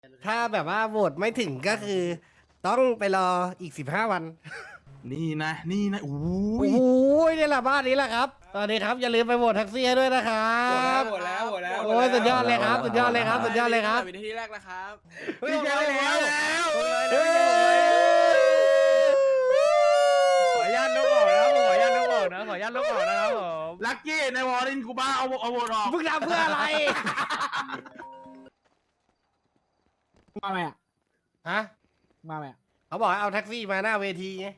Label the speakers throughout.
Speaker 1: ถ้าแบบว่าโหวตไม่ถึงก็คือ ต้องไปรออีก15 วัน
Speaker 2: นี่นะโอ้
Speaker 1: โอ้
Speaker 2: ย
Speaker 1: โหนี่แหละบ้านนี้แหละครับตอนนี้ครับอย่าลืมไปโหวตแท็กซี่ให้ด้วยนะครับ
Speaker 3: โหวตแล้ว
Speaker 1: โอ้ยสุดยอดเลยครับสุดยอดเลยครับสุดยอดเลยครับ
Speaker 3: วินาทีแรกนะครับ
Speaker 2: ดีใจแล้ว
Speaker 4: ขออนุญาตลบออกนะครับขออนุญาตลบออกนะขออนุญาตลบออกนะครับผม
Speaker 2: ลักกี้ในวอร์ลินกูบ้าเอาโหวตออก
Speaker 1: มึงทำเพื่ออะไร
Speaker 5: มาไหมอ่ะ
Speaker 1: ฮะ
Speaker 5: มาไหมอ่ะ
Speaker 1: เขาบอกให้เอาแท็กซี่มาหน้าเวทีไง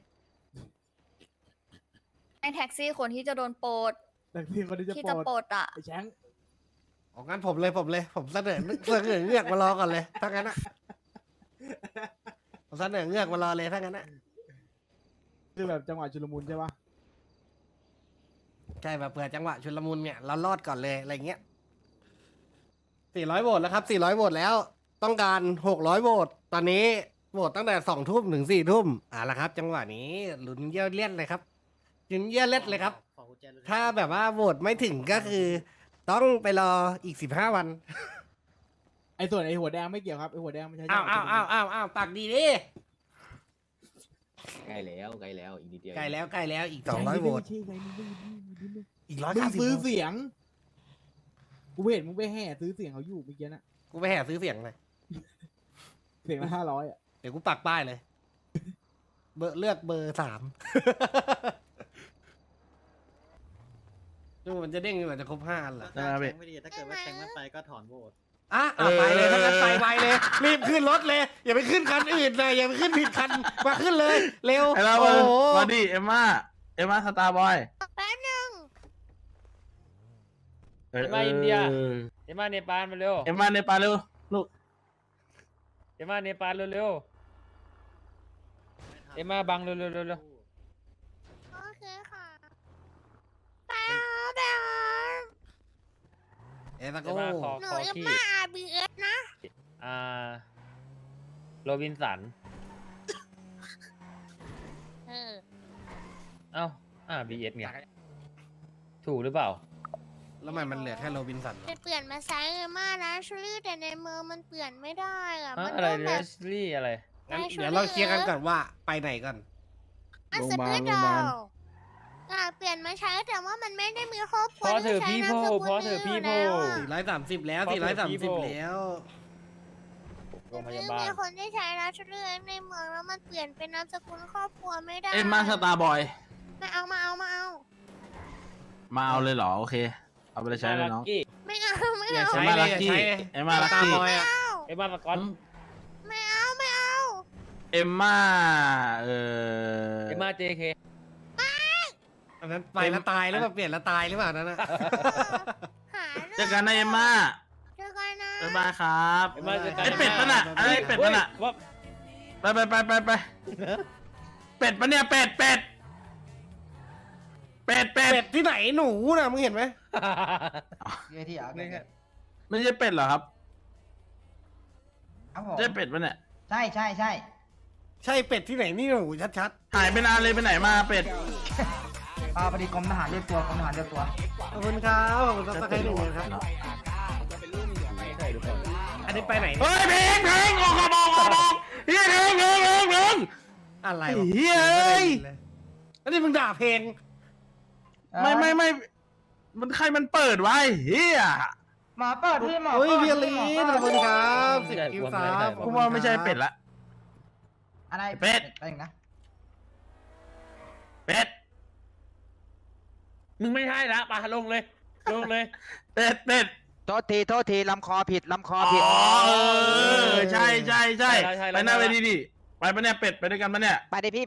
Speaker 6: ให้แท็กซี่คนที่จะโดนปลด
Speaker 5: แต่ที่คนที่จะ
Speaker 6: ที่
Speaker 5: โป
Speaker 6: จะ
Speaker 5: ร
Speaker 6: ปล
Speaker 5: ด
Speaker 6: ดอ่ะ
Speaker 5: ไอ้แชง
Speaker 1: ออกงั้นผมเลยผมเสนอเงือกมารอก่อนเลยถ้างั้นอะผมเสนอเงือกมารอเลยถ้างั้นอะ
Speaker 5: คือแบบจังหวะชุลมุนใช่ปะ
Speaker 1: ใช่แบบเผื่อจังหวะชุลมุนเนี่ยเรารอดก่อนเลยอะไรเงี้ย400 โหวตแล้วครับ400 โหวตแล้ว ต้องการ600 โหวตตอนนี้โหวตตั้งแต่2 ทุ่มถึง4 ทุ่มละครับ จังหวะนี้ลุ้นเยี่ยวเลี่ยนเลยครับลุ้นเยี่ยวเล็ดเลยครับ ถ้าแบบว่าโหวตไม่ถึงก็คือ ต้องไปรออีก15 วัน
Speaker 5: ไอ้ส่วนไอ้หัวแดงไม่เกี่ยวครับไอ้หัวแดงไม่ใช่จั
Speaker 1: อ้าง ว
Speaker 5: หวะ
Speaker 1: อ้าว
Speaker 5: ชุลมุน
Speaker 1: อ้าวอ้าวปากดีดิ
Speaker 7: ใกล้แล้วอีกนิดเดียว
Speaker 1: ใกล้แล้วอีก
Speaker 5: แชง
Speaker 1: 200 โหวต
Speaker 5: ไม่ใช่ไงมึง
Speaker 1: อีก
Speaker 5: มึงซื้อ
Speaker 1: 190
Speaker 5: เสียงกูเห็นมึงไปแห่ซื้อเสียงเขาอยู่เมื่อกี้น่ะ
Speaker 1: กูไปแห่ซื้อเสียงเลย
Speaker 5: เสียงละ500อ่ะ
Speaker 1: เดี๋ยวกูปักป้ายเลย เลือกเบอร์ 3ดูมันจะเด้งอยู่มันจะครบ5 อันเหรอ
Speaker 2: ได้ไหม
Speaker 3: ไม่ดีถ้าเกิดว่าแทงไม่ไปก็ถอนโหวต
Speaker 1: ไปเลยถ้างั้นไปเลย รีบขึ้นรถเลย อย่าไปขึ้นคันอื่นเลยอย่าไปขึ้นผิดคันมาขึ้นเลย เร็ว
Speaker 2: ไอ้เรา
Speaker 1: โอ้โห
Speaker 2: มาดิเอ็มม่าสตาร์บอย
Speaker 6: แป๊บนึง
Speaker 4: เอ็มมาอินเดียเอ็มมาเนปาลมาเร็ว
Speaker 2: เอ็มม่าในปาเร็วลูก
Speaker 4: เอ็มมาเนปาลเร็วเอ็มมาบังเร็ว
Speaker 6: โอเคค่ะไปเอา
Speaker 1: เอ็ตะ
Speaker 4: เอ็
Speaker 1: โก้
Speaker 4: มมาขอ
Speaker 6: หนู
Speaker 4: ขอ
Speaker 6: ยัง
Speaker 4: ขี้
Speaker 6: มา RBS นะ
Speaker 4: อ่าโรบินสัน
Speaker 6: เออ
Speaker 4: เอ้าบีเอสไงถูกหรือเปล่า
Speaker 1: แล้วมันเหลือแค่โรบินสัน
Speaker 6: จะเปลี่ยนมาไซส์เลยมากนะชูรี่แต่ในเมืองมันเปลี่ยนไม่ได้อ่ะ
Speaker 4: ฮะ
Speaker 6: มัน
Speaker 4: อะไร
Speaker 6: ต้อง
Speaker 4: เร
Speaker 6: แบบ
Speaker 4: สลี่อะไร
Speaker 1: งั้นเดี๋ยวเราเคลียร์กันก่อนว่าไปไหนก่อน
Speaker 6: อันสปิดอลเปลี่ยนมาใช้แต่ว่ามันไม่ได้มีครอบครัว
Speaker 4: พอเถอะ
Speaker 6: ที่ใช้
Speaker 4: พี่
Speaker 6: นาม
Speaker 4: โพ
Speaker 6: สกุล
Speaker 4: พอเถอะ
Speaker 6: นี้
Speaker 4: พี่
Speaker 6: อยู่
Speaker 4: โพ
Speaker 6: แล้วอะ
Speaker 1: 430 แล้ว
Speaker 4: ขอเถอะ
Speaker 1: 430
Speaker 4: พี่โบ
Speaker 1: แล้ว
Speaker 4: โรงพ
Speaker 6: ไม่
Speaker 4: ยาบาล
Speaker 6: มีคนที่ใช้นะชูรี่ในเมืองแล้วมันเปลี่ยนเป็นนามสกุลครอบครัวไม่ได้
Speaker 2: เอ็มม่าสตาร์บอย
Speaker 6: มาเอา
Speaker 2: มาเอาเลยเหรอโอเคเอาไปเลยใช้เลยน้อง
Speaker 4: กี้
Speaker 6: ไม่เอาไม่
Speaker 1: อย่า
Speaker 6: เอา
Speaker 1: ใช้
Speaker 2: เอ็มม่า
Speaker 1: เลย
Speaker 2: ลักกี้
Speaker 1: อย่าใช้เลย
Speaker 2: เอ็มม่าลัก
Speaker 1: ตา
Speaker 2: กี้
Speaker 1: บอยอ่ะ
Speaker 4: เอ็มมาสกอต
Speaker 6: ไม่เอา
Speaker 2: เอ็มม่า
Speaker 4: เอ็มมาเจเค
Speaker 1: อันนั้นไปแล้วตายหรือเปล่าเปลี่ยนแล้วตายหรือเปล่านั่นนะ
Speaker 6: หา
Speaker 2: เจอกันนะเอ็มม่า
Speaker 6: เจอกันนะ
Speaker 2: บ๊ายบายครับ
Speaker 4: เอ็มมาเจอกัน
Speaker 2: ไอเป็ดนั่นน่ะไอเป็ดนั่นน่ะ
Speaker 4: ว่า
Speaker 2: ไปเป็ดปะเนี่ยเป็ด
Speaker 1: เป็ดที่ไหนหนูน่ะมึงเห็นไหม
Speaker 8: เยที่อ่ะ
Speaker 4: นี่ไง
Speaker 2: ไม่ใช่เป็ดเหรอครับ
Speaker 8: ครับผม
Speaker 2: ใช่เป็ดปะเนี่ย
Speaker 8: ใช่ใช่
Speaker 1: ใช่เป็ดที่ไหนนี่หนูชัด
Speaker 2: หายไปนานเลยไปไหนมาเป็ด
Speaker 8: พอดีกรมทหารเรียกตัวกรมทหารเรียกตัว
Speaker 1: ๆขอบคุณครับขอบคุณครับสักใครหนึ่งเลยครับอันนี้ไปไหนเนี่ย
Speaker 2: เฮ้ยเพลงออกเฮียเพลง
Speaker 1: อะไรวะ
Speaker 2: เฮ้ย
Speaker 1: อันนี้มึงด่าเพลง
Speaker 2: ไม่มันใครมันเปิดไว้เฮีย
Speaker 8: หมาเปิดพี่หมอ
Speaker 1: โอ้ย
Speaker 8: ปิด
Speaker 1: เบียร์ลี
Speaker 8: หมอ
Speaker 1: ขอบ
Speaker 8: เปิ
Speaker 1: คุ
Speaker 8: ด
Speaker 1: ณครับ10 คิวซับ
Speaker 2: กูว่าไม่ใช่เป็ดละ
Speaker 8: อะไร
Speaker 2: เป็ด
Speaker 8: ไปอีกนะ
Speaker 2: เป็ด
Speaker 4: มึงไม่ใช่ละปะลงเลย
Speaker 2: เป็ด
Speaker 8: โทษทีลำคอผิด
Speaker 2: อ๋อใช่ไปหน้าเวทีดิไปปะเนี่ยเป็ดไปด้วยกันปะเนี่ย
Speaker 8: ไปดิพี่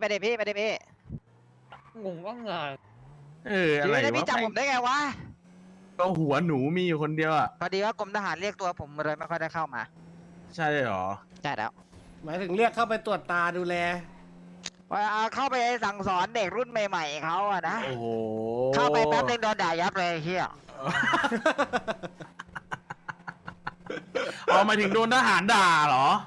Speaker 4: งงว่างาน
Speaker 2: อะไร
Speaker 8: แล้วพี่
Speaker 2: วะ
Speaker 8: จำผมได้ไงวะ
Speaker 2: ก็หัวหนูมีอยู่คนเดียวอ่ะ
Speaker 8: พอดีว่ากรมทหารเรียกตัวผมเลยไม่ค่อยได้เข้ามา
Speaker 2: ใช่หรอ
Speaker 8: ใช่แล้ว
Speaker 1: หมายถึงเรียกเข้าไปตรวจตาดูแล
Speaker 8: เข้าไปสั่งสอนเด็กรุ่นใหม่ๆเขาอะนะ
Speaker 2: โอ้โห
Speaker 8: เข้าไปแป๊บนึงโดนด่ายับเลยเฮีย
Speaker 2: เอาหมายถึงโดนทหารด่าเหรอ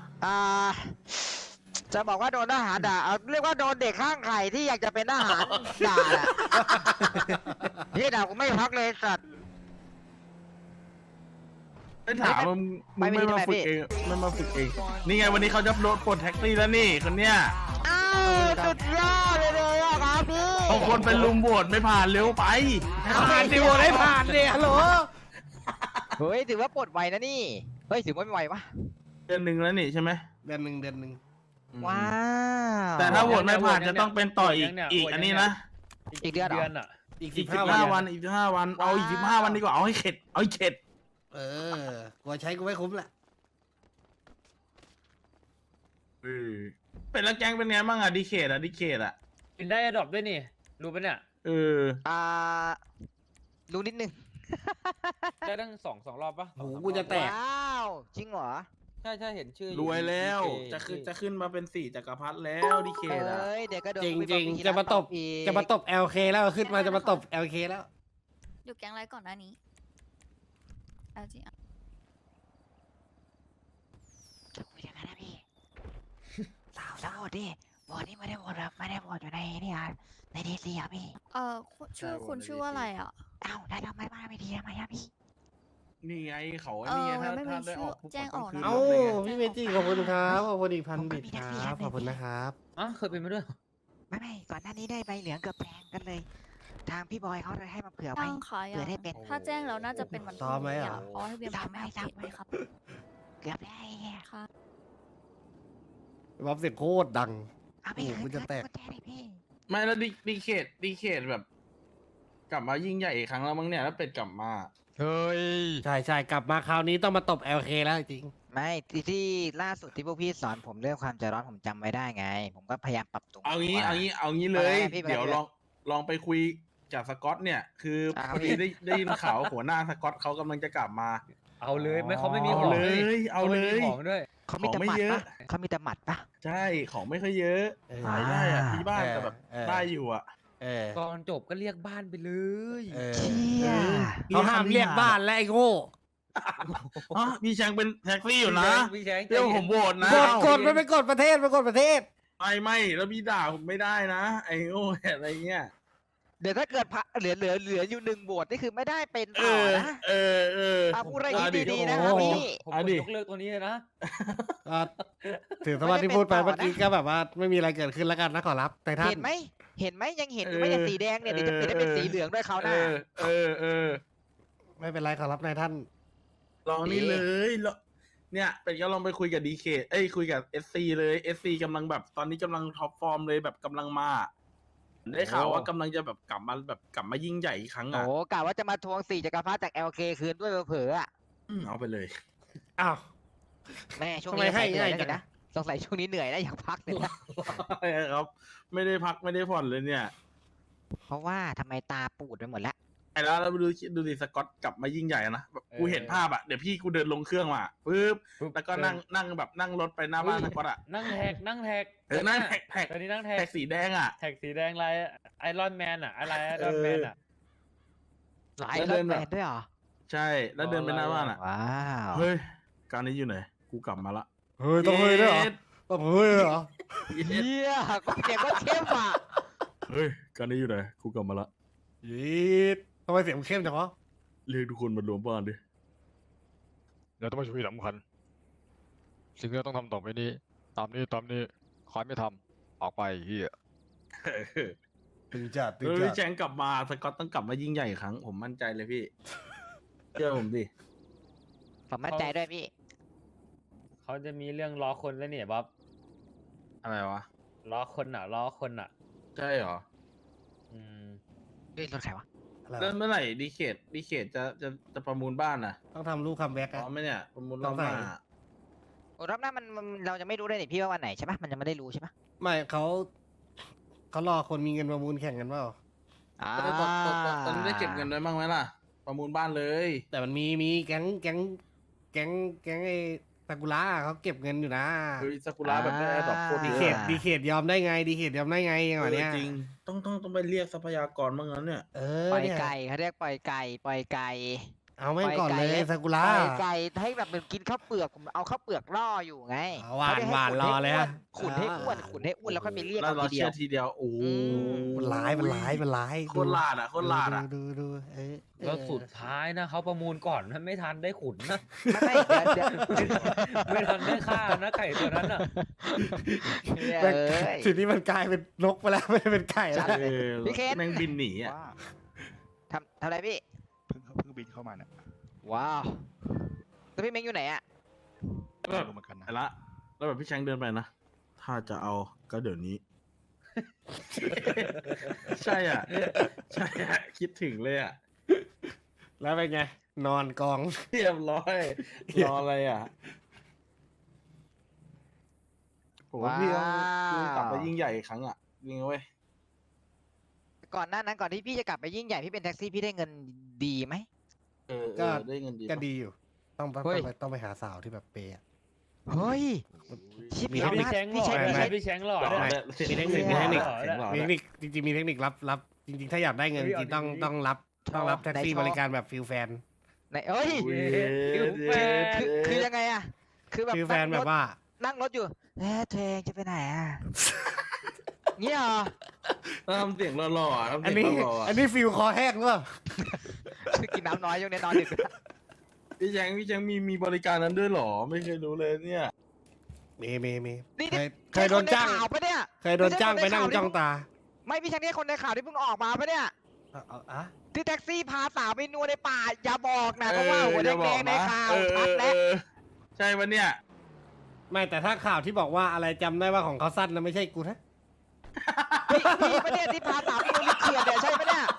Speaker 8: จะบอกว่าโดนทหารด่าเอาเรียกว่าโดนเด็กข้างไข่ที่อยากจะเป็นทหารด่าแหละเฮียด่ากูไม่พักเลยสัตว์
Speaker 2: ไม่ถามมึงไม่มาฝึกเองไม่มาฝึกเองนี่ไงวันนี้เขาจะโดนปลดแท็กซี่แล้วนี่คนเนี้ย
Speaker 8: อ้าวสุดยอดเลยอะครับพี่
Speaker 2: บางคนเป็นลุมโหวตไม่ผ่านเร็วไป
Speaker 1: ผ่านดิโหวตให้ผ่านดิฮัลโหล
Speaker 8: เฮ้ยถือว่าปลดไวนะนี่เฮ้ยถือว่าไม่ไวปะ
Speaker 2: เดือนหนึ่งแล้วนี่ใช่ไหม
Speaker 1: เดือนหนึ่ง
Speaker 8: ว้าว
Speaker 2: แต่ถ้าโหวตไม่ผ่านจะต้องเป็นต่ออีกอันนี้นะ
Speaker 8: อีกเดือนเหรอ
Speaker 4: อ่ะ
Speaker 1: อีก
Speaker 2: อีก
Speaker 1: 15
Speaker 2: 15 วันอีก15 วันเอาอีก15 วันดีกว่าเอาให้เข็ดเอาให้เข็ด
Speaker 1: เออ กลัวใช้กูไม่คุ้มแหละ
Speaker 2: เป็นแล้วแก๊งเป็นไงบ้างอะดีเคทอะ
Speaker 4: กินได้ดรอปด้วยนี่ รู้ปะเนี่ย
Speaker 8: อ่ารู้นิดนึง
Speaker 4: ได้ตั้งสองรอบปะ
Speaker 1: โหกูจะแตก
Speaker 8: ว้าวจริงเหรอ
Speaker 4: ใช่เห็นชื่อ
Speaker 2: รวยแล้ว
Speaker 4: อยู่
Speaker 2: จะขึ้นมาเป็น4จักรพรรดิแล้วดีเคทอะ
Speaker 8: เอ้ยเดี๋ยวก็โดน
Speaker 1: จริง
Speaker 8: วิ
Speaker 1: จริง
Speaker 8: พากษ์วิจารณ์
Speaker 1: จะมาตบ
Speaker 8: อีก
Speaker 1: จะมาตบ LK แล้วขึ้นมาจะมาตบ LK แล้ว
Speaker 6: อยู่แก๊งไรก่อนหน้านี้เอาจริงอะ
Speaker 8: จะคุยกันนะพี่สาวแล้วโหวตดิโหวตนี่ไม่ได้โหวตแบบไม่ได้โหวตอยู่ในนี่อ่ะในดีซีอ่ะพี่
Speaker 6: ชื่อคุณชื่อว่าอะไรอ่ะ
Speaker 8: เอ้าได้ทำไมบ้าไม่ดีทำไมอ่ะพี่
Speaker 2: นี่ไงเขานี่ไงถ้า
Speaker 6: ไม่มี
Speaker 2: ได้ออก
Speaker 6: ชื่อแจ้งออกนะ
Speaker 1: เอ้าพี่เมจิขอบคุณครับขอบคุณอีกพันบิตครับขอบคุณนะครับ
Speaker 4: อ่ะเคยเป็นมาด้วย
Speaker 8: ไม่ก่อนหน้านี้ได้ใบเหลืองเกือบแดงกันเลย ทางพี่บอยเขาเลยให้มาเผื่อไว้
Speaker 6: ตั้งขาย
Speaker 8: เผื่อได้เป็น
Speaker 6: ถ้าแจ้งแล้วน่าจะเป็นวันพรุ่งนี้อะเพราะให้เบียร์มาไม่อัปเดตไว้ครับ
Speaker 8: เกือบได้ไง
Speaker 6: ค่ะ
Speaker 1: บ๊อบเสียงโคตรดัง
Speaker 8: เอาพี่
Speaker 1: โอ้โหมันจะแตก
Speaker 8: แจ้งเลยพี่
Speaker 2: ไม่แล้วดีเคทแบบ กลับมายิ่งใหญ่อีกครั้งแล้วมั้งเนี่ยแล้วเป็ดกลับมา
Speaker 8: เฮ้ย
Speaker 1: ใช่กลับมาคราวนี้ต้องมาตบ LK แล้วจริง
Speaker 8: ไม่ที่ล่าสุดที่พวกพี่สอนผมเรื่องความใจร้อนผมจำไว้ได้ไง ผมก็พยายามปรับตรง
Speaker 2: เอางี้
Speaker 8: ว่า
Speaker 2: เอางี้เลย
Speaker 8: อะไรพี่
Speaker 2: เดี๋ยว
Speaker 8: ไปเลย
Speaker 2: ลองไปคุยกับสกอตเนี่ย คืออา พอดี
Speaker 8: พี่
Speaker 2: ได้ยินข่าวหัวหน้าสกอตเขากำลังจะกลับมา
Speaker 4: เอาเลยไม่เขาไม่มี
Speaker 2: เอา
Speaker 4: ของ
Speaker 2: เลย
Speaker 4: ด้วย
Speaker 2: เอาเลย
Speaker 4: ขไม่มีของด้วย
Speaker 8: เขามีแต่
Speaker 2: ของไม่
Speaker 8: หมัด
Speaker 2: เยอะ
Speaker 8: ปะเขามีแต่หมัดปะ
Speaker 2: ใช่ของไม่ค่อยเยอะ
Speaker 1: เออ
Speaker 2: ขายได้อะที่บ้าน
Speaker 1: เออ
Speaker 2: แต่แบบ
Speaker 1: เออ
Speaker 2: ได้อยู่อะ
Speaker 1: เออ
Speaker 4: ก่อนจบก็เรียกบ้านไปเลย
Speaker 1: เออ
Speaker 8: เชี่ย
Speaker 1: เขาห้ามเรียกบ้านและไอ้โง่
Speaker 2: ฮะพี่แชงเป็นแท็กซี่อยู่นะ
Speaker 4: พี่แชง
Speaker 2: เดี๋ยวผมโหวตนะ
Speaker 1: กดมันไปกดประเทศ
Speaker 2: ไม่แล้วพี่ด่าผมไม่ได้นะ ไอ้โง่อะไรเงี้ย
Speaker 8: เดี๋ยวถ้าเกิดพระเหลืออยู่1โหวตนี่คือไม่ได้เป็น
Speaker 2: เอ
Speaker 8: ต่อ
Speaker 2: อ
Speaker 8: นะ
Speaker 2: เออ
Speaker 8: เอาพูดอะไร
Speaker 2: เอาดิ
Speaker 8: ดีๆนะครับพี่
Speaker 4: ผม
Speaker 2: เอา
Speaker 4: กด
Speaker 2: ดิ
Speaker 4: ยกเลิกตัวนี้เลยนะ
Speaker 1: อ่ะถือสวัสดีพูดไป
Speaker 8: ไม่ได้เป็นต่อนะ
Speaker 1: เมื่อกี้ก็แบบว่าไม่มีอะไรเกิดขึ้นแล้วกันนะขอรับแต่ท่าน
Speaker 8: เห็นไหมยังเห็นอยู่ไหมเนี่ยสีแดงเนี่ยเดี๋ยวจะเปลี่ยนให้เป็นสีเหลืองด้วยเขาวห
Speaker 2: เอ
Speaker 8: น้า
Speaker 1: ไม่เป็นไรขอรับนายท่าน
Speaker 2: ลองนี่เลยแล้วเนี่ยเป็ดก็ลองไปคุยกับดีเคคุยกับSCเลยSCกำลังแบบตอนนี้กำลังท็อปฟอร์มเลยแบบกำลังมาได้ข่าวว่ากำลังจะแบบกลับมายิ่งใหญ่อีกครั้ง
Speaker 8: โอ้
Speaker 2: อ่ะ
Speaker 8: กะว่าจะมาทวง4จักรพรรดิจาก LK คืนด้วยเผลอๆอ่ะ
Speaker 2: เอาไปเลย
Speaker 1: อ้าว
Speaker 8: แม่ช่วง
Speaker 1: ทำไม
Speaker 8: นี้
Speaker 1: ให้
Speaker 8: เหนื่อย
Speaker 1: ง่ายจัง
Speaker 8: นะสงสัยช่วงนี้เหนื่อยนะอยากพักเลยนะ
Speaker 2: ครับ ไม่ได้พักไม่ได้ผ่อนเลยเนี่ย
Speaker 8: เพราะว่าทำไมตาปูดไปหมดแล้ว
Speaker 2: ไอ้แล้วดูดิสกอตกลับมายิ่งใหญ่นะแบบกูเห็นภาพอ่ะเดี๋ยวพี่กูเดินลงเครื่องมาปึ๊บแล้วก็นั่งรถไปหน้าบ้านสกอตอ่ะ
Speaker 4: นั่งแท็ก
Speaker 2: นั่งแท็ก
Speaker 4: ตอนนี้นั่งแท็ก
Speaker 2: แท็กสีแดงอ่ะ
Speaker 4: แท็กสีแดงลายไอรอนแมนอะอะไรไอรอนแมนอะ
Speaker 8: หลาย
Speaker 2: แล้ว
Speaker 8: ร
Speaker 2: เดิ
Speaker 8: ถ
Speaker 2: น
Speaker 8: แม
Speaker 2: แบบ
Speaker 8: นด้วยเหรอ
Speaker 2: ใช่แล้วเดินไปหน้าบ้านอ่ะ
Speaker 8: ว้าว
Speaker 2: เฮ้ยการนี้อยู่ไหนกูกลับมาละ
Speaker 1: เฮ้ยต้องเฮ้ยด้วยเหรอต้องเฮ้ยด้วยเหรอ
Speaker 8: เฮียก็เสียงก็เข้มอ่ะ
Speaker 2: เฮ้ยการนี้อยู่ไหนกูกลับมาละ
Speaker 1: ยีดทำไมเสียงเข้มจังวะ
Speaker 2: เรียกทุกคนมารวมบ้านดิ
Speaker 7: เราต้องมาช่วยสำคัญ สิ่งที่เราต้องทำต่อไปนี้ ตามนี้ใครไม่ทำออกไปเฮีย
Speaker 1: ตึงจัด
Speaker 2: พี่แจงกลับมาสกอตต้องกลับมายิ่งใหญ่อีกครั้งผมมั่นใจเลยพี่เชื่อผมดิ
Speaker 8: ผมมั่นใจด้วยพี่
Speaker 4: เขาจะมีเรื่องล้อคนแล้วเนี่ยบ๊อบ
Speaker 2: อะไรวะ
Speaker 4: ล้อคนอะ
Speaker 2: ใช่เหรอ
Speaker 4: อืม
Speaker 8: ด้วยรถใครวะ
Speaker 2: เริ่มเมื่อไหร่ดีเคทจะประมูลบ้านน่ะ
Speaker 1: ต้องทำลูกคัมแบ็ก
Speaker 2: พร้
Speaker 1: อะ
Speaker 2: อมไหมเนี่ยประมูลรอบหน้า
Speaker 1: ต้องใส่
Speaker 8: โอ้รอบหน้ามันเราจะไม่รู้เลยนี่พี่ว่าวันไหนใช่ปะมันยังไม่ได้รู้ใช่ปะ
Speaker 1: ไม่เขารอคนมีเงินประมูลแข่งกันเปล่า
Speaker 2: ตอนนี้ได้เก็บเงินไว้บ้างไหมล่ะ ประมูลบ้านเลย
Speaker 1: แต่มันมีแก๊งไอ้ซากุระเขาเก็บเงินอยู่นะ
Speaker 2: เฮ้ยซากุระแบบได้ดอกโคตร
Speaker 1: ดี
Speaker 2: เย
Speaker 1: เขต
Speaker 2: อะ
Speaker 1: ดีเขตยอมได้ไงอย่างวะเนี้ย
Speaker 2: จริงต้องไปเรียกทรัพยากรบ้างนั้นเนี่ย
Speaker 1: เอ
Speaker 8: ปล่อย
Speaker 1: เนี่ย
Speaker 8: ไก่เขาเรียกปล่อยไก่
Speaker 1: เเอาแม่งก่อนเลย
Speaker 8: ปล่อยไก่
Speaker 1: ซากุระ
Speaker 8: ปล่อยไก่ให้แบบมันกินข้าวเปลือกผมเอาข้าวเปลือกล่ออยู่ไง
Speaker 1: เอาหวาน
Speaker 8: ไม่ได้ให้
Speaker 1: หวานรอเลยฮะ
Speaker 8: ขุนให้อ้วนขุนให้อ้วนแล้วค่อยไปเรียก
Speaker 2: แล้ว
Speaker 8: เอา
Speaker 2: เรา
Speaker 8: ทีเดี
Speaker 2: เชื่
Speaker 8: ย
Speaker 2: อ
Speaker 8: ว
Speaker 2: ทีเดียวโอ้โห
Speaker 1: มันร้ายมันร้ายมันร้าย
Speaker 2: โคตรลาดอ่ะโคตรลาดอ่ะ
Speaker 1: ดูเอ้ย
Speaker 4: แล้วสุดท้ายนะเขาประมูลก่อนนะไม่ทันได้ขุนนะ
Speaker 8: ไม่เดี๋ยว
Speaker 4: ไม่ทันได้ฆ่านะไก่ตัวนั้นอ่ะ
Speaker 8: เอ้ย
Speaker 1: ทีนี้มันกลายเป็นนกไปแล้ว ไม่ได้เป็นไก่แล้ว
Speaker 2: เออ
Speaker 8: พี่เคน
Speaker 2: แม่งบินหนีอ่ะ
Speaker 9: ว่า
Speaker 8: ทำอะไรพี่
Speaker 9: เพิ่งบินเข้ามาเนี่ย
Speaker 8: ว้าวแล้วพี่เม้งอยู่ไหนอะ
Speaker 2: แบบ
Speaker 9: รู้เหมือนกันนะ
Speaker 2: ไอ้ละแล้วแบบพี่แชงเดินไปนะ ถ้าจะเอาก็เดี๋ยวนี้ ใช่อ่ะ ใช่อ่ะ คิดถึงเลยอ่ะ
Speaker 1: แล้วเป็นไง นอนกอง
Speaker 2: เรียบร้อยรออะไรอ่ะผมว่าพี่ต้องกลับไปยิ่งใหญ่อีกครั้งอ่ะจริงเว้ย
Speaker 8: ก่อนหน้านั้นก่อนที่พี่จะกลับไปยิ่งใหญ่พี่เป็นแท็กซี่พี่ได้เงินดีไหม
Speaker 1: ก็
Speaker 2: ได้เงินดี
Speaker 1: ก็
Speaker 2: ปะ
Speaker 1: ดีอยู่
Speaker 8: เฮ้ย
Speaker 1: ต้องไปหาสาวที่แบบเปย์อะ
Speaker 8: เฮ้ย ชิป
Speaker 1: มี
Speaker 8: เอา
Speaker 4: พี่
Speaker 8: นะ
Speaker 4: แชงหล่
Speaker 8: พี่
Speaker 4: อ
Speaker 8: ใช้
Speaker 4: ด้วย
Speaker 8: พี่ใช้
Speaker 4: นะพี่แชงหล่อ
Speaker 2: หล่อ
Speaker 4: ด้วย
Speaker 2: ด้วย
Speaker 1: มีเทคนิค
Speaker 2: สียง
Speaker 1: มีเทคนิค
Speaker 2: หล่อเสียงหล่อ
Speaker 1: มี
Speaker 2: ด้
Speaker 1: เท
Speaker 2: วย
Speaker 1: คนิคจริงๆมีเทคนิครับจริงๆ ถ้าอยากได้เงิน
Speaker 4: เฮ้ย
Speaker 1: จริงๆต้อง
Speaker 4: เอาดีๆ
Speaker 1: ต้องรับแท็กซี่บริการแบบฟิลแฟน
Speaker 8: ไหนเอ้ย
Speaker 2: อุ้ย
Speaker 8: คือยังไงอะคือแบบ
Speaker 1: ฟิลแฟนแบบว่า
Speaker 8: นั่งรถอยู่เธอเองจะไปไหนอะเงี้ยเหรอ
Speaker 2: ทำเสียงหล่อๆอ่ะทำ
Speaker 1: อัน
Speaker 2: เสีย
Speaker 1: นี้
Speaker 2: งหล่อๆ
Speaker 1: อั
Speaker 2: อ่ะ
Speaker 1: นนี้ฟิลคอแห้งหรือเปล่า
Speaker 8: คือกินน้ำน้อยช่วงนี้นอนดึก
Speaker 2: พี่แชงมีบริการนั้นด้วยเหรอ ไม่เคยรู้เลยเนี่ย
Speaker 1: มี
Speaker 8: นี่
Speaker 1: เคยโดนจ้าง
Speaker 8: ใช่คใข่าวปะเนี่ย
Speaker 1: เคยโดนจ้างไปนั่งจ้องตา
Speaker 8: ไม่พี่แชงนี่คนในข่าวที่เพิ่งออกมาปะเนี่ย
Speaker 1: อะ
Speaker 8: ที่แท็กซี่พาสาวไปนัวในป่าอย่าบอกนะเพราะว่าหัวแดงๆในข่าว
Speaker 2: เออ
Speaker 8: ชัดแล้ว
Speaker 2: ใช่ปะเนี่ย
Speaker 1: ไม่แต่ถ้าข่าวที่บอกว่าอะไรจำได้ว่าของเขาสั้นนะไม่ใช่กูนะ
Speaker 8: พี่ประเด็นที่พาสาวไปนัวในเขื่อนเนี่ยใช่ปะเนี่ย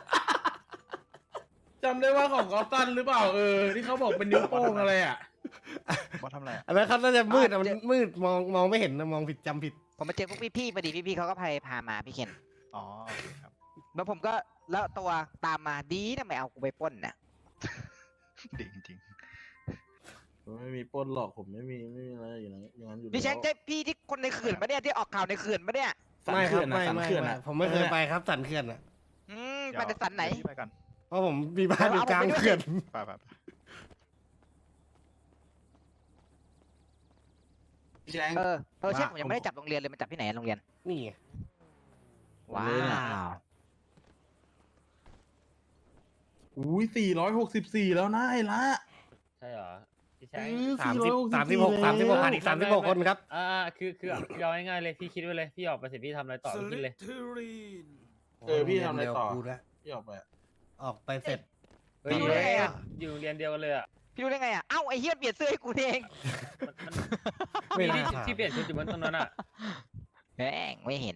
Speaker 2: จำได้ว่าของเขาสั้นหรือเปล่าที่เขาบอกเป็นนิ้วโป้งอะไรอ่ะ
Speaker 9: บอสทำอะไรอะ
Speaker 1: อันนั้นเขาน่าจะมืดอะมันมืดมองไม่เห็นนะมองผิดจำผิด
Speaker 8: ผมมาเจอพวกพี่ๆพอดีพี่ๆเขาก็พามาพี่เคน
Speaker 9: อ๋อโอเคครับ
Speaker 8: แล้วผมก็แล้วตัวตามมาดีนะไม่เอากูไปปล้นน่ะ
Speaker 9: ดีจริง
Speaker 2: ผมไม่มีปล้นหรอกผมไม่มีอะไรอย่างนั้นอยู่
Speaker 8: พี่แชงใช่พี่ที่คนในเขื่อนปะเนี่ยที่ออกข่าวในเขื่อนปะเนี่ย
Speaker 2: สัน
Speaker 1: ไม่ครั
Speaker 2: เขื่
Speaker 1: บ
Speaker 2: อนอ่ะ
Speaker 1: ไม่
Speaker 2: สัน
Speaker 1: ไม่
Speaker 2: เขื่อน
Speaker 1: ไม่
Speaker 2: อ่ะ
Speaker 1: ผมไม่เคยไปครับสันเขื่อนอ่ะ
Speaker 9: ๆ
Speaker 8: ไปในสันไหน
Speaker 9: เดี๋ยวพี่ไปกัน
Speaker 1: เพราะผมมีบ้านอยู่กลางเขื่อน
Speaker 9: ไป
Speaker 2: พี่แชง
Speaker 8: ใช่ผมยังไม่ได้จับโรงเรียนเลยมันจับที่ไหนอะโรงเรียน
Speaker 1: นี่ไง
Speaker 8: ว้า
Speaker 2: เลยน่ะ
Speaker 8: ว
Speaker 2: อุ้ย464แล้วนะไอ้ละ
Speaker 4: ใช่เหรอพี่แชง
Speaker 1: 36 ขาดอีก36 คนครับ
Speaker 4: คือเอาง่ายๆเลยพี่คิดไว้เลยพี่ออกไปเสร็จพี่ทำอะไรต่อพี่คิดเลย
Speaker 2: พี่ทำอะไรต่อ
Speaker 1: เวกูแล้ว
Speaker 2: พี่ออกไปอะ
Speaker 1: ออกไปเสร็จ
Speaker 4: เฮ้ย
Speaker 8: พี่รู้ได้ไงอะ
Speaker 4: อยู่โรงเรียนเดียวกันเลยอ่ะ
Speaker 8: พี่รู้ได้ไงอ่ะเอ้าไอ้เหี้ยเปลี่ยนเสื้อให้กูเอง
Speaker 1: ไม่
Speaker 4: มี
Speaker 1: น่าถาม
Speaker 4: ที่เปลี่ยนชุดอยู่บนตรงนั้นอ่ะ
Speaker 8: แม่งไม่เห็น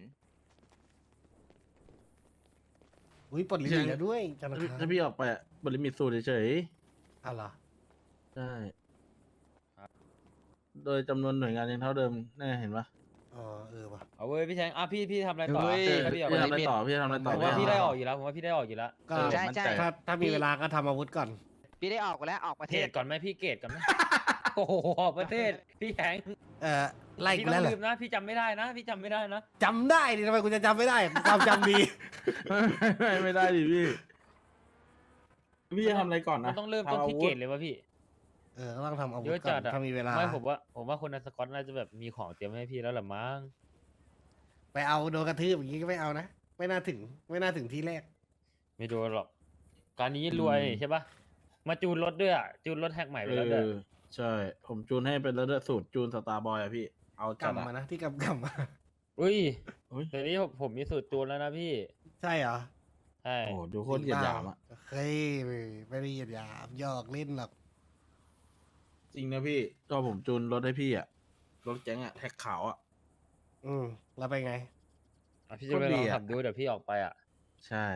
Speaker 1: อุ้ยปลดลิมิตแล้วด้วยจันทร์
Speaker 2: ถ้าพี่ออกไปอะบริมิตสูตรเฉย
Speaker 1: อ้าวเหรอ
Speaker 2: ๆใช่โดยจำนวนหน่วยงานยังเท่าเดิมแน่เห็นปะ
Speaker 1: อ๋อว่ะ
Speaker 4: เอาเว้ยพี่แชงพี่ทำอะไรต่อ
Speaker 8: เฮ้ย
Speaker 4: ถ้าพี่ออก
Speaker 2: พี่
Speaker 4: ไป
Speaker 2: ทำอะไรต่อพี่ทำอะไรต่อ
Speaker 4: ผมว่าพี่ได้ออกอยู่แล้วผมว่าพี่ได้ออกอยู่แล้ว
Speaker 1: ก็
Speaker 8: ใช่ใช่
Speaker 1: ถ้ามีเวลาก็ทำอาวุธก่อน
Speaker 8: พี่ได้ออกไปแล้วออกประ
Speaker 4: เก
Speaker 8: เท
Speaker 4: ร
Speaker 8: ศ
Speaker 4: ดก่อนไหมพี่เกรดก่อนไหม โอ้โหออกประเทศพี่แชง
Speaker 1: ไล่
Speaker 4: พี่
Speaker 1: กู
Speaker 4: ต้อ
Speaker 1: แล้ว
Speaker 4: ง
Speaker 1: เหร
Speaker 4: ลื
Speaker 1: อ
Speaker 4: มนะพี่จำไม่ได้นะพี่จำไม่ได้นะ
Speaker 1: จำได้ดิทำไมกูจะจำไม่ได้ความจำดี
Speaker 2: ไม่ได้ดิพี่พี่จะทำอะไรก่อน
Speaker 4: มั
Speaker 2: นะ
Speaker 4: นต้องเริ่มต้นที่เกรดเลยวะพี่
Speaker 1: ก็ต้องทำอาวุ
Speaker 4: เย
Speaker 1: ธ
Speaker 4: อะ
Speaker 1: ก่
Speaker 4: จั
Speaker 1: อ
Speaker 4: ด
Speaker 1: น
Speaker 4: อะ
Speaker 1: ถ้ามีเวลา
Speaker 4: ไม่ผมว่าคนในสกอตน่าจะแบบมีของเตรียมให้พี่แล้วแหละมั้ง
Speaker 1: ไปเอาโดนกระทืบอย่างนี้ก็ไม่เอานะ ไม่น่าถึงที่แรก
Speaker 4: ไม่โดนหรอก การนี้รวยใช่ปะมาจูนรถด้วยอ่ะจูนรถแท็กใหม่ไปแล้วด้วย
Speaker 2: ใช่ ผมจูนให้เป็นระดับสูตรจูนสตาร์บอยอะพี่ เอาจัด
Speaker 1: กำมา
Speaker 2: อะ
Speaker 1: นะที่กำมา
Speaker 4: อุ้ย
Speaker 2: อุ๊ย
Speaker 4: เดี๋ยวนี้ผมมีสูตรจูนแล้วนะพี่
Speaker 1: ใช่เหรอ
Speaker 4: ใช่
Speaker 2: โอ้โหดูโคตรเหยียดหยามอะ
Speaker 1: เฮ้ยไม่ได้เหยียดหยามหยอกเล่นหรอก
Speaker 2: จริงนะพี่ ก็ผมจูนรถให้พี่อะรถแก๊งอะแท็กขาวอะ
Speaker 1: แล้วไปไง
Speaker 4: อ่ะพี่จะไป
Speaker 2: โคตร
Speaker 4: ล
Speaker 2: ดี
Speaker 4: อง
Speaker 2: อะ
Speaker 4: ขับดูเดี๋ยวพี่ออกไปอ่ะ
Speaker 2: ใช่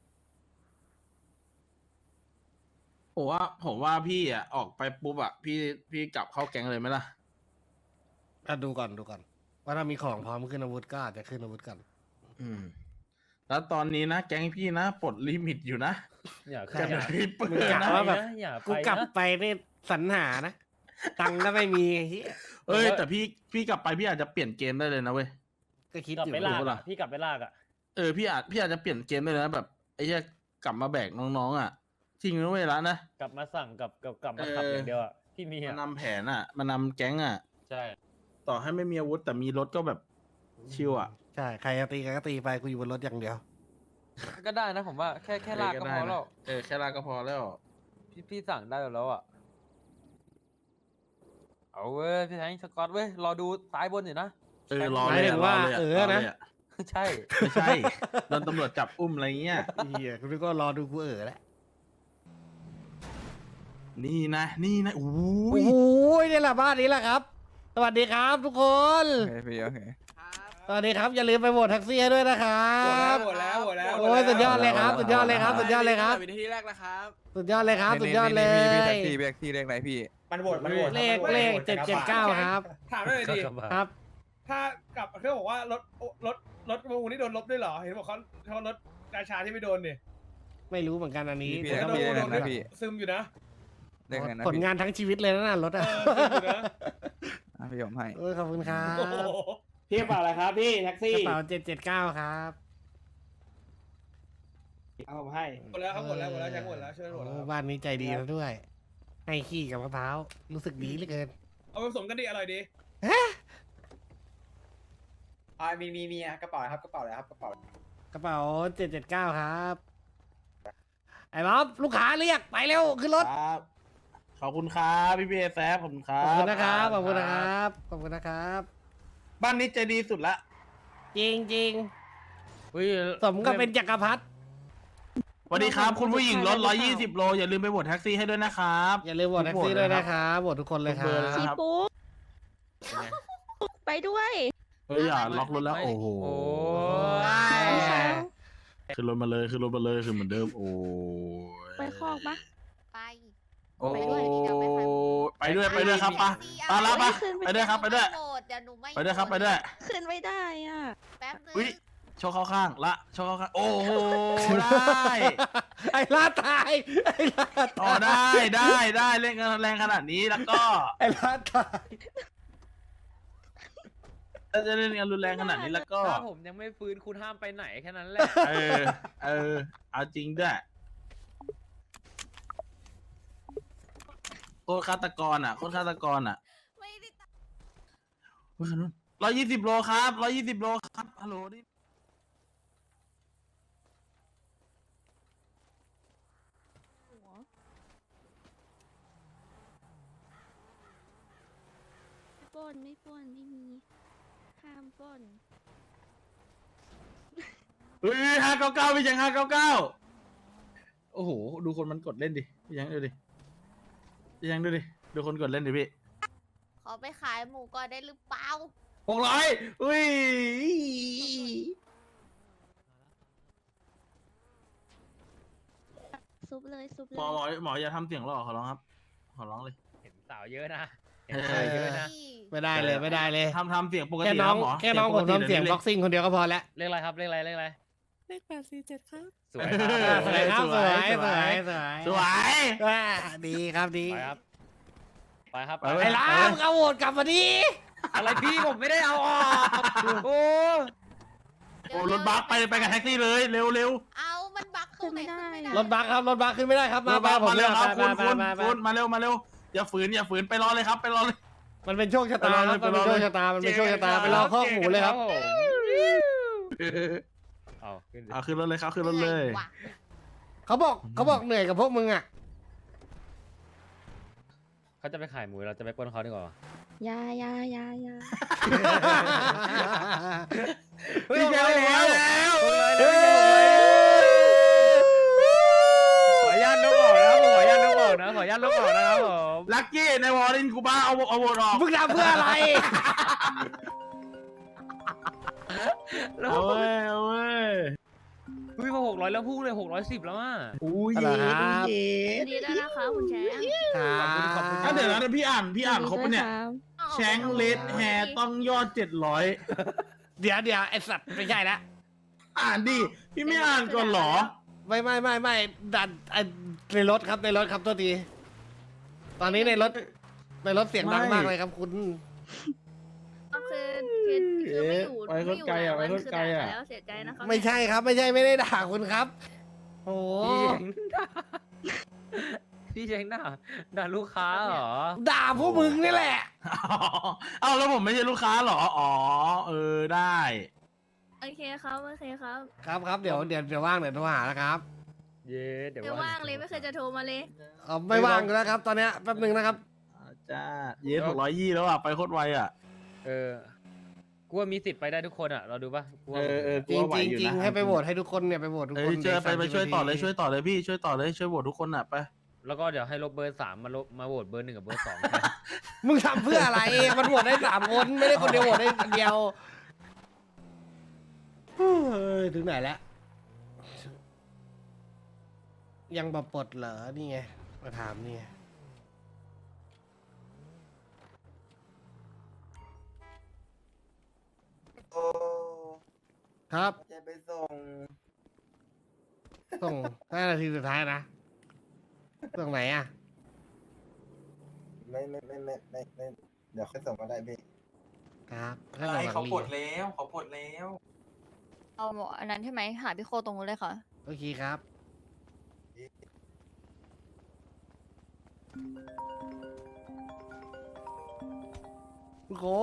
Speaker 2: ผมว่าพี่อะออกไปปุ๊บอะพี่กลับเข้าแก๊งเลยไหมล่ะ
Speaker 1: ดูก่อนว่าถ้ามีของพร้อมขึ้นอาวุธก็อาจจะขึ้นอาวุธก่อน
Speaker 2: อืม แล้วตอนนี้นะแก๊งพี่นะปลดลิมิตอยู่นะ
Speaker 4: อย่า
Speaker 1: ใช่
Speaker 4: อย่า
Speaker 2: พี่เปิ
Speaker 1: มึง
Speaker 2: ด
Speaker 1: กะ
Speaker 2: นะ
Speaker 1: ว่าแบบ
Speaker 4: อย่าไป
Speaker 1: กูกลับ
Speaker 4: นะ
Speaker 1: ไปนี่สรรหานะ ตังค์ก็ไม่มีเหี้ย
Speaker 2: เอ้ยแต่พี่กลับไปพี่อาจจะเปลี่ยนเกมได้เลยนะเว้ย
Speaker 1: ก็คิด
Speaker 4: กลับ
Speaker 1: อยู่
Speaker 4: ไปลาก
Speaker 2: ถูกปะล่ะ
Speaker 4: อะพี่กลับไปลากอ่ะ
Speaker 2: พี่อาจจะเปลี่ยนเกมได้เลยนะแบบไอ้เหี้ยกลับมาแบกน้องๆอ่ะจริงนะเว้ยละนะ
Speaker 4: กลับมาสั่งกลับมาขับอย่างเดียวอะที่มี
Speaker 2: มัน
Speaker 4: อะ
Speaker 2: นำแผนอ่ะมันนำแก๊งอ่ะ
Speaker 4: ใช่
Speaker 2: ต่อให้ไม่มีอาวุธแต่มีรถก็แบบชิวอ่ะ
Speaker 1: ใช่ใครจะตีกันก็ตีไปกูอยู่บนรถอย่างเดียว
Speaker 10: ก็ได้นะผมว่าแค่ลากก็พอแล้ว
Speaker 2: แค่ลากก็พอแล้ว
Speaker 10: พี่สั่งได้แล้วอ่ะ เอาเว้ยพี่แทงสกอตเว้ยรอดูซ้ายบนอยู่นะ
Speaker 2: รอ
Speaker 1: ห
Speaker 2: เล
Speaker 1: มาย
Speaker 2: ย
Speaker 1: ถึงว่า
Speaker 2: รลย
Speaker 1: เออนะ
Speaker 2: รลย
Speaker 10: ใช่
Speaker 2: ไม่ใช่โดนตำรวจจับอุ้มอะไรเงี้ย
Speaker 1: เฮียคุณก็รอดูกูแล้ว
Speaker 2: นี่นะโอ้
Speaker 1: โอ้
Speaker 2: ย
Speaker 1: โหนี่แหละบ้านนี้แหละครับ สวัสดีครับทุกคน
Speaker 10: โอเคพี่โอเค
Speaker 1: สวัสดีครับอย่าลืมไปโหวตแท็กซี่ให้ด้วยนะครับ
Speaker 3: หมดแล้ว
Speaker 1: โอ้ยสุดยอดเลยครับสุดยอดเลยครับสุดยอดเลยครับ
Speaker 3: วินาทีแรกแล้วครับ
Speaker 1: สุดยอดเลยครับสุดยอดเลย
Speaker 10: พี่แท็กซี่เลขไหนพี่
Speaker 3: มันโหวต
Speaker 1: เลข779ครับ
Speaker 3: ถามได้เลยดิ
Speaker 1: ครับ
Speaker 3: ถ้ากลับเขาบอกว่ารถประมูลนี่โดนลบด้วยเหรอ เห็นบอกเขารถราชาที่ไม่โดนเนี่ย
Speaker 1: ไม่รู้เหมือนกันอันนี้
Speaker 10: พี่
Speaker 1: แต่
Speaker 10: แท็ก
Speaker 1: ก็
Speaker 10: ซี่เลขไหนนะพี่
Speaker 3: ซึมอยู่นะ
Speaker 10: เลขไหนนะ
Speaker 1: ผลงานทั้งชีวิตเลยนะรถ
Speaker 3: เอ
Speaker 1: อ่ะ
Speaker 3: อซึมอยู่นะ
Speaker 10: พี่ผมให้
Speaker 1: โอ้ยขอบคุณครับ
Speaker 3: โอ้โห
Speaker 5: พี่กระเป๋าอะไรครับพี่แท็ก
Speaker 1: ก
Speaker 5: ซี่
Speaker 1: ระเป๋า779ครับ
Speaker 5: เอาผมให้
Speaker 3: หมดแล้วครับหมดแล้วใช้หมดแล้วช่วยหมดแล้ว
Speaker 1: โอ้บ้านนี้ใจดีแล้วด้วย ให้ขี้กับมะพร้าวรู้สึกดีเหลือเกิน
Speaker 3: เอาผสมกันดีอร่อยดี
Speaker 5: มีกระเป๋าครับกระเป๋าอะไรครับกระเป๋าก
Speaker 1: ระเป๋า779ครับไอ้บ๊อบลูกค้าเรียกไปเร็วขึ้นรถ
Speaker 2: ครับขอบคุณครับพี่แซฟขอบคุณครั
Speaker 1: ข
Speaker 2: บ
Speaker 1: อบคุณนะครับขอบคุณนะครับขอบคุณนะครับ
Speaker 2: บ้านนี้ใจดีสุดละ
Speaker 1: จริงจริง
Speaker 4: อุ้ย
Speaker 1: ๆสมกับเป็นจักรพรรดิ
Speaker 2: สวัสดีครับ คุณผู้หญิงรถ120 โลอย่าลืมไปโหวตแท็กซี่ให้ด้วยนะครับ
Speaker 1: อย่าลืมโหวตแท็กซี่ด้วยนะครับโหวตทุกคนเลยค
Speaker 2: ทุกเบอ
Speaker 1: รั
Speaker 2: ร์
Speaker 1: บ
Speaker 2: เลยนะครับ
Speaker 6: ไปด้วย
Speaker 2: เฮ้ยอย่าล็อกรถแล้วโอ้โห
Speaker 4: โอ้
Speaker 2: ขึ้นรถมาเลยขึ้นเหมือนเดิมโอ้ย
Speaker 6: ไปคอกปะไป
Speaker 2: โอ้
Speaker 6: ไปด้วยเดี๋ยวไปค่ะ
Speaker 2: ไปด้วยครับปะปะละปะไปด้วยครับไปด้วย
Speaker 6: โหวตเดี๋ยวหนูไม่
Speaker 2: ไปด้วยครับไปด้วย
Speaker 6: ขึ้นไม่ได้อ่ะ แป๊บนึง
Speaker 2: อุ้ยโชว์เข้าข้างละโชว์เข้าข้างโอ้โหได้
Speaker 1: ไอ้ลาตายไอ้ลา
Speaker 2: ต่อ
Speaker 1: ตาย
Speaker 2: ได้เล่นกันแรงขนาดนี้แล้วก็
Speaker 1: ไอ้ลาตาย
Speaker 2: ถ้าจะเล่นกันรุนแรงขนาดนี้แล้วก็
Speaker 10: ถ้าผมยังไม่ฟื้นคุณห้ามไปไหนแค่นั้นแหละ
Speaker 2: เออเอาจริงด้วยโคตรฆาตกรอ่ะ
Speaker 6: ไม่ได้ตั้ง
Speaker 2: 120 โลครับ120 โลครับฮัลโหลนี่
Speaker 6: หัวไม่ปล้นไม่มีห้ามปล้น
Speaker 2: เฮ้ย599พี่ยัง599โอ้โหดูคนมันกดเล่นดิพี่ยังดูดิดูคนกดเล่นดิพี่
Speaker 6: ขอไปขายหมูก่อนได้หรือเปล่า
Speaker 2: 600อุ้ย
Speaker 6: ซุบเลยซุบเล
Speaker 2: หมออย่าทำเสียงหล่อขอร้องครับขอร้องเลย
Speaker 4: เห็นสาวเยอะนะเห็นสาวเยอะนะ
Speaker 1: ไม่ได้เลยไม่ได้เลย
Speaker 2: ทำเสียงปก
Speaker 1: แค่
Speaker 2: ติ
Speaker 1: น้อง
Speaker 2: หมอ
Speaker 1: แค่น้องผมทำเสียง
Speaker 2: ปกติ
Speaker 1: บ็อกซิ่งคนเดียวก็พอแล้ว
Speaker 4: เลขอะไรครับเลขอะไร
Speaker 8: เลข847ครับ
Speaker 4: สวย
Speaker 1: สวยครับสวยสวย
Speaker 2: สวย
Speaker 1: ว่าดีครับดี
Speaker 4: ไปครับ
Speaker 2: ไป
Speaker 1: ไอ้ล้ามึงเอาโหวตกลับมาดิ
Speaker 4: อะไรพี่ผมไม่ได้เอาออกโอ้
Speaker 2: โอ้รถบัสไปกับแท็กซี่เลยเร็ว
Speaker 6: เอามันบักตรงไหนขึ้นไม่ได้
Speaker 1: รถบัสครับรถบัสขึ้นไม่ได้ครับ
Speaker 2: ร
Speaker 1: มา
Speaker 2: ถบัส
Speaker 1: ผม
Speaker 2: มาเร็วครับ
Speaker 1: มา
Speaker 2: คุณมาเร็วอย่าฝืนไปรอเลยครับไปรอเลย
Speaker 1: มันเป็นโชคชะตาครับ
Speaker 2: ไป
Speaker 1: มัน
Speaker 2: ร
Speaker 1: เป็
Speaker 2: อน เลย
Speaker 1: โชคชะตามันเป็นโชคชะตาไปรอข้อหมูเลยครับ
Speaker 4: เอาขึ้นดิ
Speaker 2: เอาขึ้นรถเลยครับขึ้นรถเลย
Speaker 6: หนื่อว่ะ
Speaker 1: เขาบอกเหนื่อยกับพวกมึงอ่ะ
Speaker 4: เขาจะไปขายหมูเราจะไปปล้นเขาดีกว่า
Speaker 6: ยา
Speaker 1: พี่แกแล้ว
Speaker 4: ขออนุญาตลบออกนะครับขออนุญาตลบออกนะครับผม
Speaker 2: ลักกี้ในวอร์ดินคูบ้าเอาโหวตออก
Speaker 1: มึงทำเพื่ออะไร
Speaker 2: เอาเว้ย
Speaker 4: อุ้ยพอ600แล้วพุ่งเลย610แล้วอ่ะ
Speaker 2: อุ้ย
Speaker 1: อะไรครับ
Speaker 6: ดีแล้วนะคะคุณแชมป์
Speaker 1: ครับ
Speaker 2: เดี๋ยวนะพี่อ่านครบปะเนี่ยแชงเลดแฮร์ต้องยอด700
Speaker 1: เดี๋ยวไอสัตว์ไม่ใช่ละ
Speaker 2: อ่านดิพี่ไม่อ่านก่อนเหรอ
Speaker 1: ไม่ดันในรถครับตัวทีตอนนี้ในรถเสียงดังมากเลยครับคุณ
Speaker 6: คือไม่อยู่
Speaker 2: ไปคนไกลอะไปคนไกลอะ
Speaker 6: แล้วเสียใจนะคะ
Speaker 1: ไม่ใช่ครับไม่ได้ด่าคุณครับ โอ้โห
Speaker 4: พี่เช้งด่าลูกค้าเหรอ
Speaker 1: ด่าพวกมึงนี่แหละ
Speaker 2: เอ้าแล้วผมไม่ใช่ลูกค้าเหรอ อ๋อ ได้
Speaker 6: โอเคครับโอเคครับ
Speaker 1: ครับเดี๋ยวว่างเดี๋ยวโทรหาแล้วครับ
Speaker 4: เย้เดี๋ยว
Speaker 6: เดี๋ยวว่างเลยไม่เคยจะโทรมาเลย
Speaker 1: ไม่ว่างอยู่แล้วครับ ตอนเนี้ยแป๊บนึงนะครับ
Speaker 2: จ้า เย้620แล้วอ่ะ ไปโคตรไวอ่ะ
Speaker 4: กูว่ามีสิทธิ์ไปได้ทุกคนอ่ะ เราดูป่ะกูว่า
Speaker 1: จริงให้ไปโหวตให้ทุกคนเนี่ยไปโหวตทุก
Speaker 2: เอ
Speaker 1: ค
Speaker 2: อน เจอไปช่วยต่อเลย
Speaker 1: 30
Speaker 2: ช่วยต่อเลยพี่ ช่วยต่อเลย ช่วยโหวตทุกคนอ่ะ ไป
Speaker 4: แล้วก็เดี๋ยวให้ลบเบอร์3มาโหวตเบอร์1กับเบอร์2
Speaker 1: มึงทำเพื่ออะไร มันโหวตได้3 คนไม่ได้คนเดียวโหวตได้คนเดียวเฮ้ยถึงไหนแล้ว ยังแบบปลดเหรอ นี่ไง มาถามนี่ไงครับ
Speaker 11: จะไปส่ง
Speaker 1: ส่ง5 นาทีสุดท้ายนะ ส่งไหนอ่ะ
Speaker 11: ไม่เดี๋ยวค่อยส่งก็ได้พี่
Speaker 1: ครับถ้าส่งหลัง
Speaker 10: เขา
Speaker 1: รี
Speaker 10: ปลดแล้วเขาปลดแล้ว
Speaker 6: เอาหมออันนั้นใช่ไหมหาพี่โคตรงนู้นเลยค่ะ
Speaker 1: โอเคครับ โอ้โห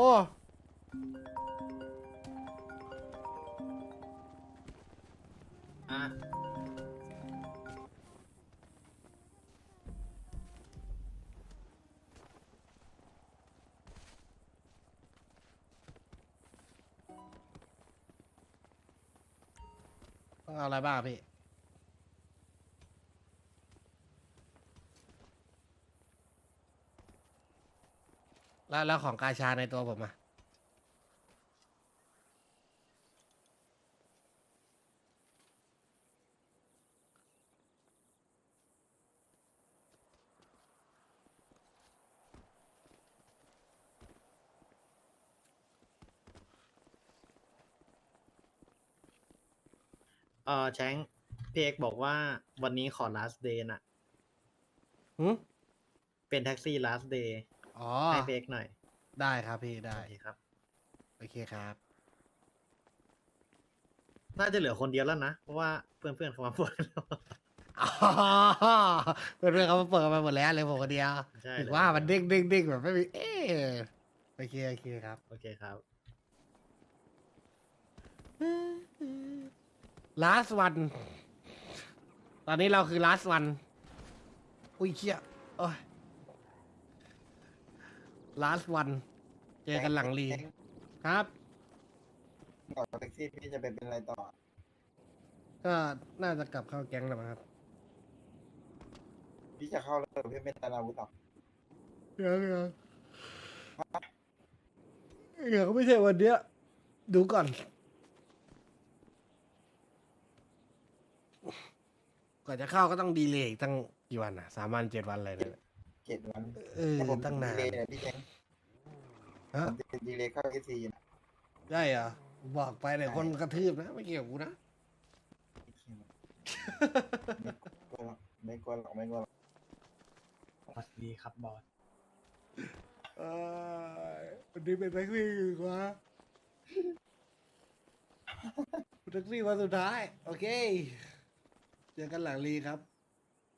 Speaker 1: ต้องเอาอะไรบ้างพี่ แล้วของกาชาในตัวผมอะ
Speaker 11: แชงพี่เอกบอกว่าวันนี้ขอ last day น่ะ
Speaker 1: หืม
Speaker 11: เป็นแท็กซี่ last day
Speaker 1: อ๋อ
Speaker 11: ให้พี่เอกหน่อย
Speaker 1: ได้ครับพี่ได้
Speaker 11: โอเคครับ
Speaker 1: โอเคครับ
Speaker 11: น่าจะเหลือคนเดียวแล้วนะ เพราะว่าเพื่อนๆเขามาปวดแล้ว
Speaker 1: อ๋อเพื่อนๆเขามาเปิดกันไปหมดแล้วเลยผมคนเดียว
Speaker 11: ใช่
Speaker 1: ถึง
Speaker 11: เลย
Speaker 1: ว่ามันเด้งแบบไม่มี เอ๊ะโอเคครับ
Speaker 11: โอเคครับ
Speaker 1: last one ตอนนี้เราคือ last one อุ้ยเชี่ยโอ้ย last one เจอกันหลังรีครับ
Speaker 11: บอกแท็กซี่พี่จะเป็นอะไรต่อ
Speaker 1: ก็น่าจะกลับเข้าแก๊งแล้วมั้งครับ
Speaker 11: พี่จะเข้าแล้วพี่เป็นอาวุธหรอ
Speaker 1: เดี๋ยวก็ไม่ใช่วันเนี้ยดูก่อน กว่าจะเข้าก็ต้องดีเลย์อีกตั้งกี่วันอ่ะ3 วัน 7 วันอะไรเนี่ย
Speaker 11: 7 วัน
Speaker 1: ตั้งนาน
Speaker 11: ดีเลยพี่แชง
Speaker 1: ฮะ
Speaker 11: ผมดีเลยเข้าเอซีนะ
Speaker 1: ได้เหรอบอกไปเดี๋ยวคนกระทืบนะ ไม่เกี่ยวกับกูนะ
Speaker 11: ไม่กลัวหรอกไม่กลัวหรอก
Speaker 5: สวัสดีครับบอส
Speaker 1: วันนี้เป็นแท็กซี่อยู่วะแท็กซี่วันสุดท้าย โอเค เจอกันหลังรีครับ